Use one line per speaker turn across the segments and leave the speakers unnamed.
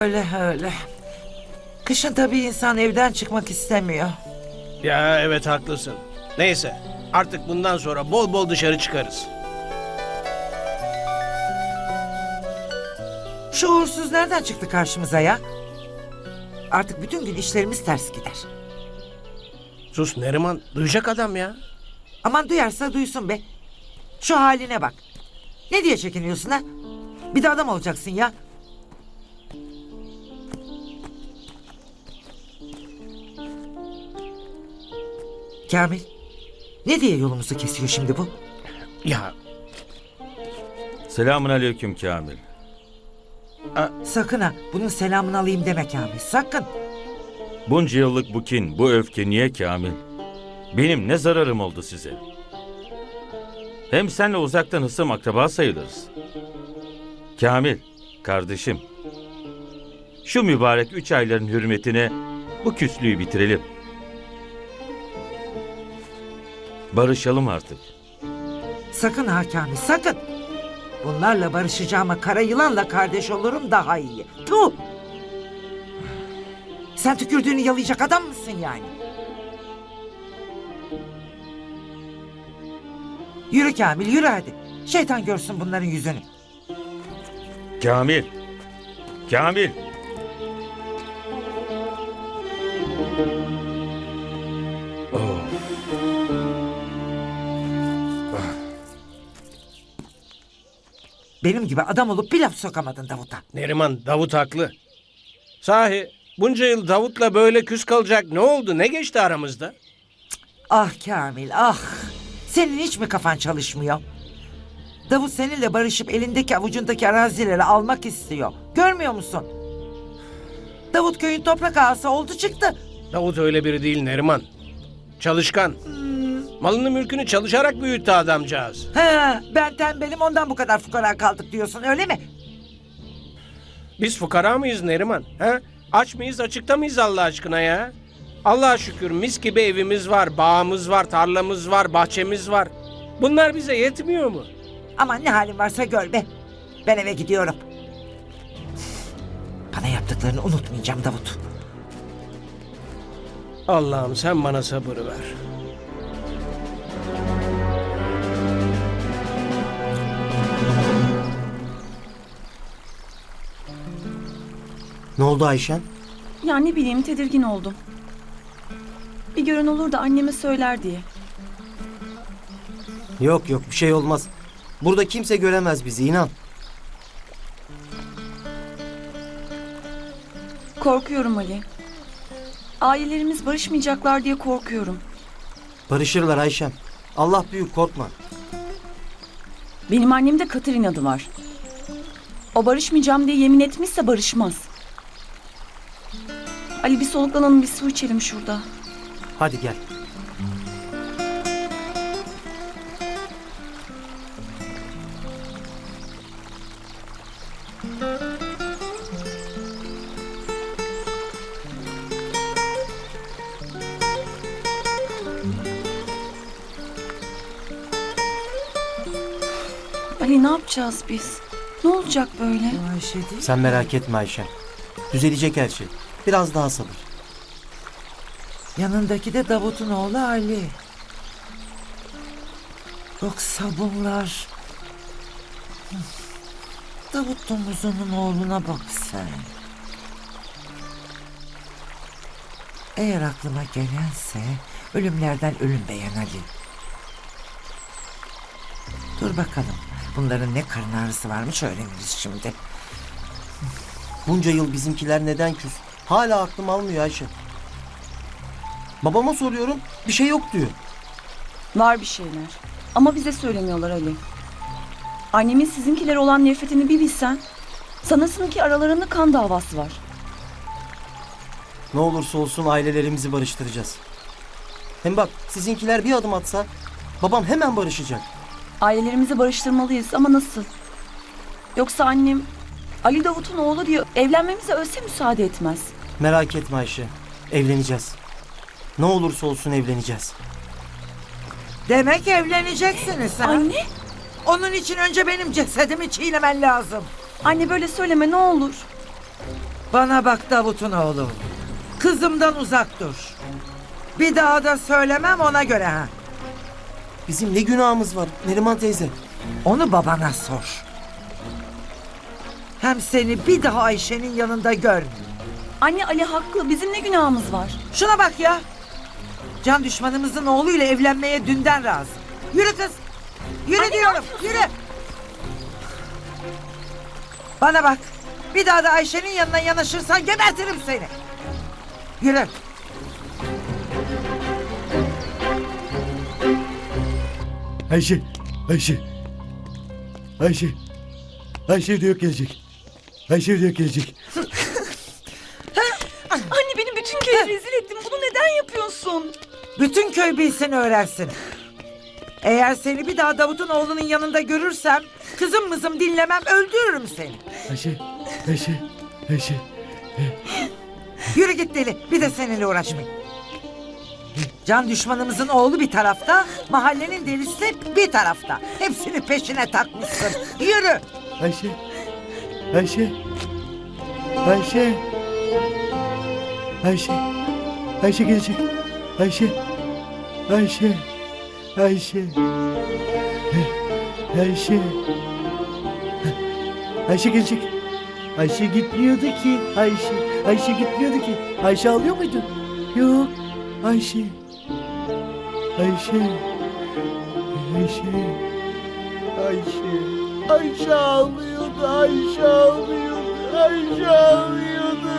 Öyle öyle. Kışın tabii insan evden çıkmak istemiyor.
Ya evet haklısın. Neyse artık bundan sonra bol bol dışarı çıkarız.
Şu uğursuz nereden çıktı karşımıza ya? Artık bütün gün işlerimiz ters gider.
Sus Neriman, duyacak adam ya.
Aman duyarsa duysun be. Şu haline bak. Ne diye çekiniyorsun ha? Bir de adam olacaksın ya. Kamil, ne diye yolumuzu kesiyor şimdi bu?
Ya
Selamun aleyküm Kamil.
Sakın ha, bunun selamını alayım deme Kamil, sakın.
Bunca yıllık bu kin, bu öfke niye Kamil? Benim ne zararım oldu size? Hem senle uzaktan hısım akraba sayılırız. Kamil, kardeşim. Şu mübarek 3 ayların hürmetine bu küslüğü bitirelim. Barışalım artık.
Sakın ha Kamil, sakın. Bunlarla barışacağıma kara yılanla kardeş olurum daha iyi. Tuh! Sen tükürdüğünü yalayacak adam mısın yani? Yürü Kamil, yürü hadi. Şeytan görsün bunların yüzünü.
Kamil! Kamil! Oh.
Benim gibi adam olup bir laf sokamadın Davut'a.
Neriman, Davut haklı. Sahi bunca yıl Davut'la böyle küs kalacak ne oldu? Ne geçti aramızda?
Ah Kamil, ah! Senin hiç mi kafan çalışmıyor? Davut seninle barışıp elindeki avucundaki arazileri almak istiyor. Görmüyor musun? Davut köyün toprak ağası oldu çıktı.
Davut öyle biri değil Neriman. Çalışkan. Malını mülkünü çalışarak büyüttü adamcağız.
He, ben tembelim ondan bu kadar fukara kaldık diyorsun öyle mi?
Biz fukara mıyız Neriman? He? Aç mıyız açıkta mıyız Allah aşkına ya? Allah'a şükür mis gibi evimiz var, bağımız var, tarlamız var, bahçemiz var. Bunlar bize yetmiyor mu?
Aman ne halin varsa gör be. Ben eve gidiyorum. Bana yaptıklarını unutmayacağım Davut.
Allah'ım sen bana sabır ver.
Ne oldu Ayşen?
Ya ne bileyim tedirgin oldum. Bir gören olur da anneme söyler diye.
Yok bir şey olmaz. Burada kimse göremez bizi inan.
Korkuyorum Ali. Ailelerimiz barışmayacaklar diye korkuyorum.
Barışırlar Ayşen. Allah büyük korkma.
Benim annemde katır inadı var. O barışmayacağım diye yemin etmişse barışmaz. Ali bir soluklanalım bir su içelim şurada.
Hadi gel.
Ali ne yapacağız biz? Ne olacak böyle?
Ayşe değil.
Sen merak etme Ayşen. Düzelecek her şey. Biraz daha sabır.
Yanındaki de Davut'un oğlu Ali. Yoksa bunlar... Davut domuzunun oğluna bak sen. Eğer aklıma gelense ölümlerden ölüm beğen Ali. Dur bakalım. Bunların ne karın ağrısı varmış öğreniriz şimdi.
Bunca yıl bizimkiler neden küs? Hala aklım almıyor Ayşen. Babama soruyorum bir şey yok diyor.
Var bir şeyler. Ama bize söylemiyorlar Ali. Annemin sizinkilere olan nefretini bir bilsen... ...sanırsın ki aralarında kan davası var.
Ne olursa olsun ailelerimizi barıştıracağız. Hem bak sizinkiler bir adım atsa babam hemen barışacak.
Ailelerimizi barıştırmalıyız ama nasıl? Yoksa annem Ali Davut'un oğlu diye evlenmemize ölse müsaade etmez.
Merak etme Ayşe. Evleneceğiz. Ne olursa olsun evleneceğiz.
Demek evleneceksiniz ha?
Anne,
Onun için önce benim cesedimi çiğnemen lazım.
anne böyle söyleme ne olur.
Bana bak Davut'un oğlu. Kızımdan uzak dur. Bir daha da söylemem ona göre ha.
Bizim ne günahımız var Neriman teyze?
Onu babana sor. Hem seni bir daha Ayşe'nin yanında görmeyeyim.
Anne Ali haklı. Bizim ne günahımız var?
Şuna bak ya. Can düşmanımızın oğluyla evlenmeye dünden razı. Yürü kız. Yürü
Anne,
diyorum. Yürü. Bana bak. Bir daha da Ayşe'nin yanına yanaşırsan gebertirim seni. Yürü.
Ayşe, Ayşe. Ayşe. Ayşe diyor gelecek. Ayşe diyor gelecek.
Anne beni bütün köye rezil ettin. Bunu neden yapıyorsun?
Bütün köy bilsin öğrensin. Eğer seni bir daha Davut'un oğlunun yanında görürsem kızım mızım dinlemem öldürürüm seni.
Ayşe, Ayşe, Ayşe.
Yürü git deli. Bir de seninle uğraşmayayım. Can düşmanımızın oğlu bir tarafta, mahallenin delisi bir tarafta. Hepsini peşine takmışsın. Yürü.
Ayşe. Ayşe. Ayşe. Ayşe. Ayşe gelecek. Ayşe. Ayşe. Ayşe. Ayşe. Ayşe gelecek. Ayşe gitmiyordu ki. Ayşe. Ayşe gitmiyordu ki. Ayşe ağlıyor muydu? Yok. Ayşe. Ayşe. Ayşe. Ayşe. Ayşe ağlıyordu. Ayşe ağlıyordu. Ayşe ağlıyordu.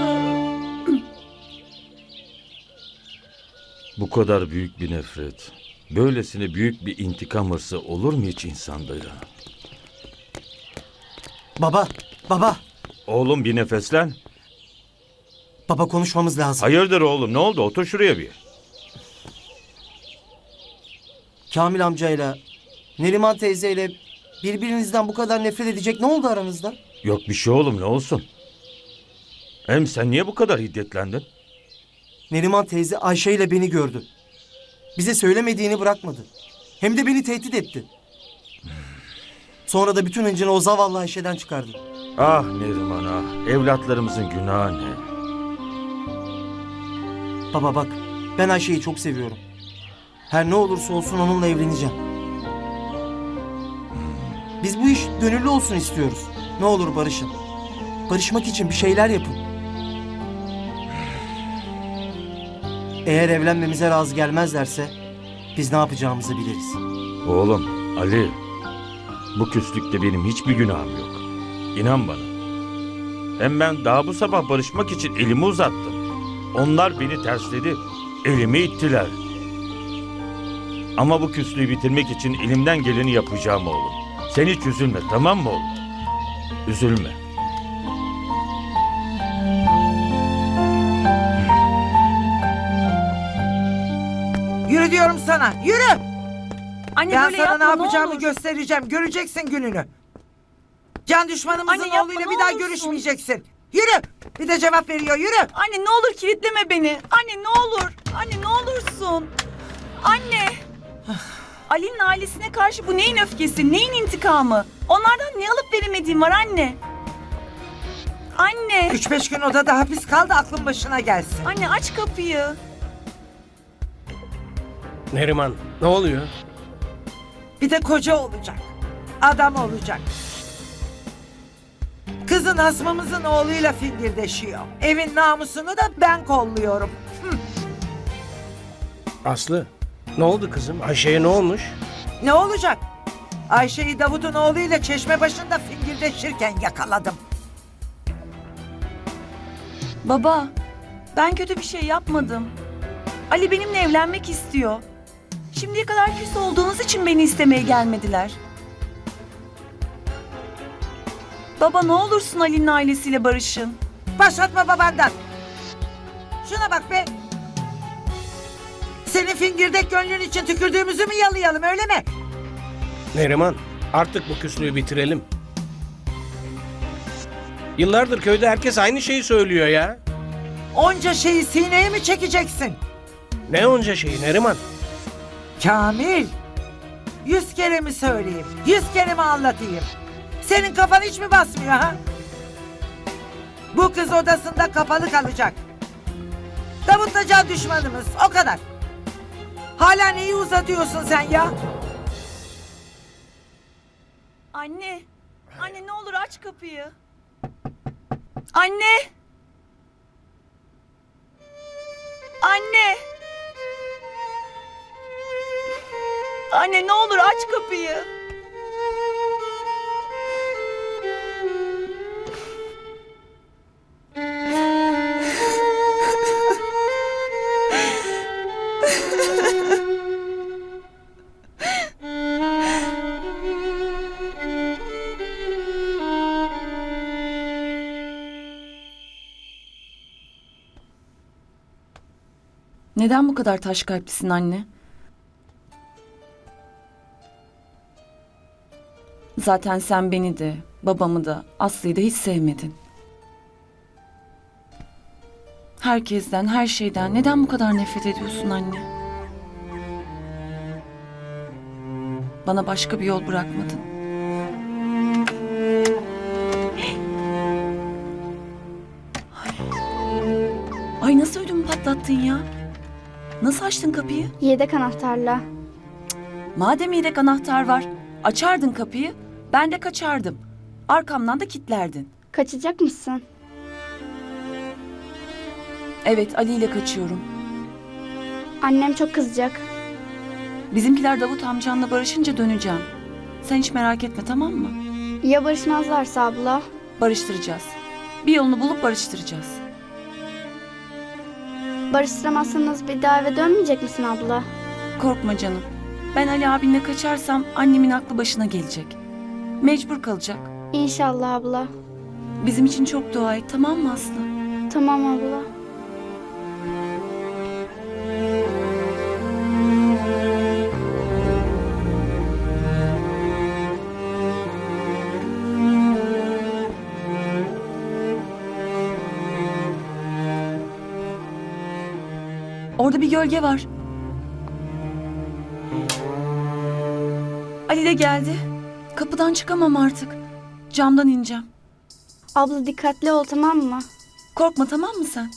Bu kadar büyük bir nefret, böylesine büyük bir intikam hırsı olur mu hiç insanda ya?
Baba, baba.
Oğlum bir nefeslen.
Baba konuşmamız lazım.
Hayırdır oğlum, ne oldu? Otur şuraya bir.
Kamil amcayla, Neriman teyzeyle birbirinizden bu kadar nefret edecek ne oldu aranızda?
Yok bir şey oğlum, ne olsun? Hem sen niye bu kadar hiddetlendin?
Neriman teyze Ayşe ile beni gördü. Bize söylemediğini bırakmadı. Hem de beni tehdit etti. Sonra da bütün hıncını o zavallı Ayşe'den çıkardı.
Ah Neriman ah, evlatlarımızın günahı ne?
Baba bak, ben Ayşe'yi çok seviyorum. Her ne olursa olsun onunla evleneceğim. Biz bu iş gönüllü olsun istiyoruz. Ne olur barışın. Barışmak için bir şeyler yapın. Eğer evlenmemize razı gelmezlerse biz ne yapacağımızı biliriz.
Oğlum Ali, bu küslükte benim hiçbir günahım yok. İnan bana. Hem ben daha bu sabah barışmak için elimi uzattım. Onlar beni tersledi, elimi ittiler. Ama bu küslüğü bitirmek için elimden geleni yapacağım oğlum. Sen hiç üzülme, tamam mı oğlum? Üzülme.
Yürü diyorum sana. Yürü.
Anne
Ben
böyle
sana
yapma
ne yapacağımı
ne olur.
göstereceğim. Göreceksin gününü. Can düşmanımızın
Anne yapma,
oğluyla
ne
bir daha
olursun.
görüşmeyeceksin. Yürü. Bir de cevap veriyor. Yürü.
Anne ne olur kilitleme beni. Anne ne olur. Anne ne olursun. Anne. Ali'nin ailesine karşı bu neyin öfkesi, neyin intikamı? Onlardan ne alıp veremediğim var anne. Anne.
3-5 gün odada hapis kaldı aklın başına gelsin.
Anne aç kapıyı.
Neriman, ne oluyor?
Bir de koca olacak. Adam olacak. Kızın hasmımızın oğluyla fingirdeşiyor. Evin namusunu da ben kolluyorum.
Aslı, ne oldu kızım? Ayşe'ye ne olmuş?
Ne olacak? Ayşe'yi Davut'un oğluyla çeşme başında fingirdeşirken yakaladım.
Baba, ben kötü bir şey yapmadım. Ali benimle evlenmek istiyor. Şimdiye kadar küs olduğunuz için beni istemeye gelmediler. Baba ne olursun Ali'nin ailesiyle barışın.
Başlatma babandan. Şuna bak be. Senin fingirdek gönlün için tükürdüğümüzü mü yalayalım öyle mi?
Neriman, artık bu küslüğü bitirelim. Yıllardır köyde herkes aynı şeyi söylüyor ya.
Onca şeyi sineye mi çekeceksin?
Ne onca şeyi Neriman?
Kamil. 100 kere mi söyleyeyim? 100 kere mi anlatayım? Senin kafan hiç mi basmıyor ha? Bu kız odasında kapalı kalacak. Davut'la can düşmanımız, o kadar. Hala neyi uzatıyorsun sen ya?
Anne. Anne ne olur aç kapıyı. Anne. Anne. Anne ne olur aç kapıyı. Neden bu kadar taş kalplisin anne? Zaten sen beni de, babamı da, Aslı'yı da hiç sevmedin. Herkesten, her şeyden neden bu kadar nefret ediyorsun anne? Bana başka bir yol bırakmadın. Ay nasıl ödümü patlattın ya? Nasıl açtın kapıyı?
Yedek anahtarla.
Madem yedek anahtar var, açardın kapıyı, ben de kaçardım. Arkamdan da kilitlerdin.
Kaçacak mısın?
Evet, Ali ile kaçıyorum.
Annem çok kızacak.
Bizimkiler Davut amcanla barışınca döneceğim. Sen hiç merak etme, tamam mı?
Ya barışmazlarsa abla?
Barıştıracağız. Bir yolunu bulup barıştıracağız.
Barıştıramazsanız bir daha eve dönmeyecek misin abla?
Korkma canım. Ben Ali abinle kaçarsam annemin aklı başına gelecek. Mecbur kalacak.
İnşallah abla.
Bizim için çok dua et, tamam mı Aslı?
Tamam abla.
Orada bir gölge var. Ali de geldi. Kapıdan çıkamam artık. Camdan ineceğim.
Abla dikkatli ol, tamam mı?
Korkma, tamam mı sen?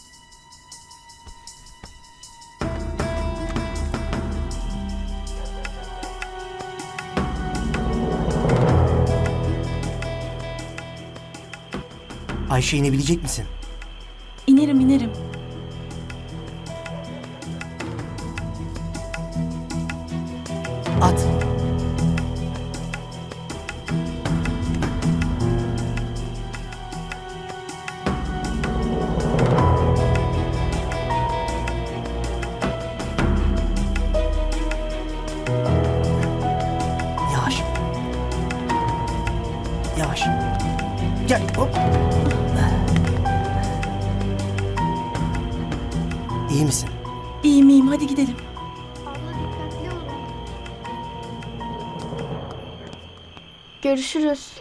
Ayşe inebilecek misin?
İnerim inerim.
At. Yavaş. Yavaş. Gel hop. İyi misin?
İyiyim iyiyim, hadi gidelim.
Abla dikkatli ol. Görüşürüz.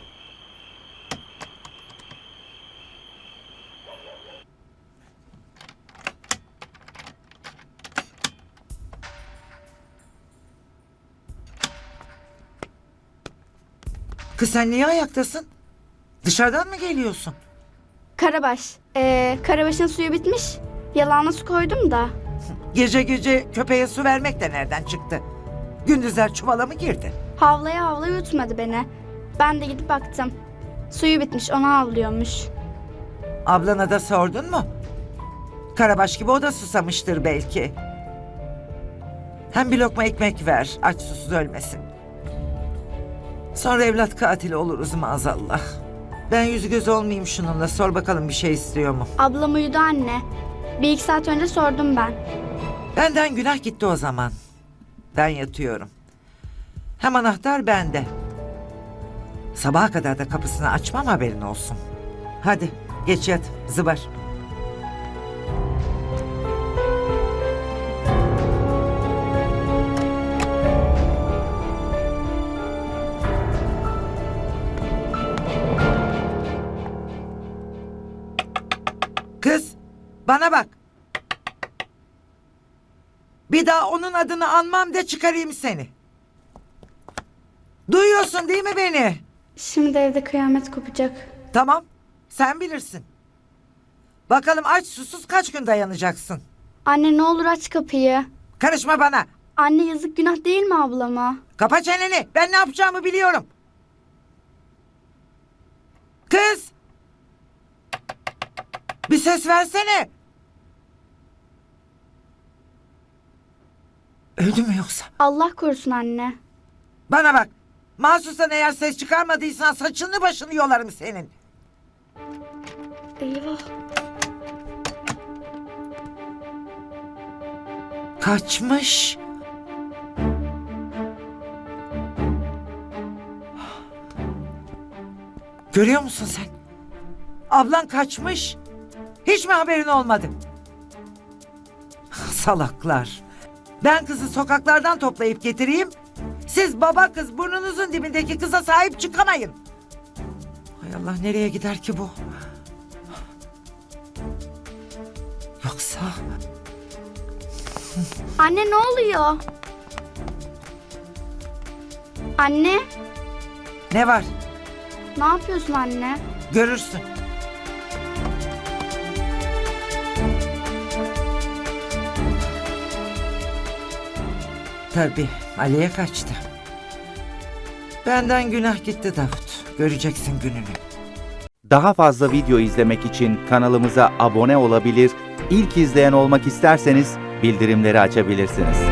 Kız sen niye ayaktasın? Dışarıdan mı geliyorsun?
Karabaş. Karabaşın suyu bitmiş. Yalağına su koydum da.
Gece gece köpeğe su vermek de nereden çıktı? Gündüzler çuvala mı girdi?
Havlaya havlaya yutmadı beni. Ben de gidip baktım. Suyu bitmiş, onu havlıyormuş.
Ablana da sordun mu? Karabaş gibi o da susamıştır belki. Hem bir lokma ekmek ver, aç susuz ölmesin. Sonra evlat katili oluruz maazallah. Ben yüzü göz olmayayım şununla, sor bakalım bir şey istiyor mu?
Ablam uyudu anne. 1-2 saat önce sordum ben.
Benden günah gitti o zaman. Ben yatıyorum. Hem anahtar bende. Sabaha kadar da kapısını açmam, haberin olsun. Hadi geç yat, zıbar. Kız, bana bak. Bir daha onun adını anmam de çıkarayım seni. Duyuyorsun değil mi beni?
Şimdi evde kıyamet kopacak.
Tamam, sen bilirsin. Bakalım aç susuz kaç gün dayanacaksın?
Anne ne olur aç kapıyı.
Karışma bana.
Anne yazık günah değil mi ablama?
Kapa çeneni. Ben ne yapacağımı biliyorum. Kız! Bir ses versene. Öldü mü yoksa?
Allah korusun anne.
Bana bak. Mahsustan eğer ses çıkarmadıysan saçını başını yolarım senin.
Eyvah.
Kaçmış. Görüyor musun sen? Ablan kaçmış. Hiç mi haberin olmadı? Salaklar. Ben kızı sokaklardan toplayıp getireyim. Siz baba kız burnunuzun dibindeki kıza sahip çıkamayın. Hay Allah, nereye gider ki bu? Yoksa...
Anne ne oluyor? Anne
Ne var?
ne yapıyorsun anne?
Görürsün. Tabii Ali'ye kaçtı. Benden günah gitti Davut. Göreceksin gününü.
Daha fazla video izlemek için kanalımıza abone olabilir, ilk izleyen olmak isterseniz bildirimleri açabilirsiniz.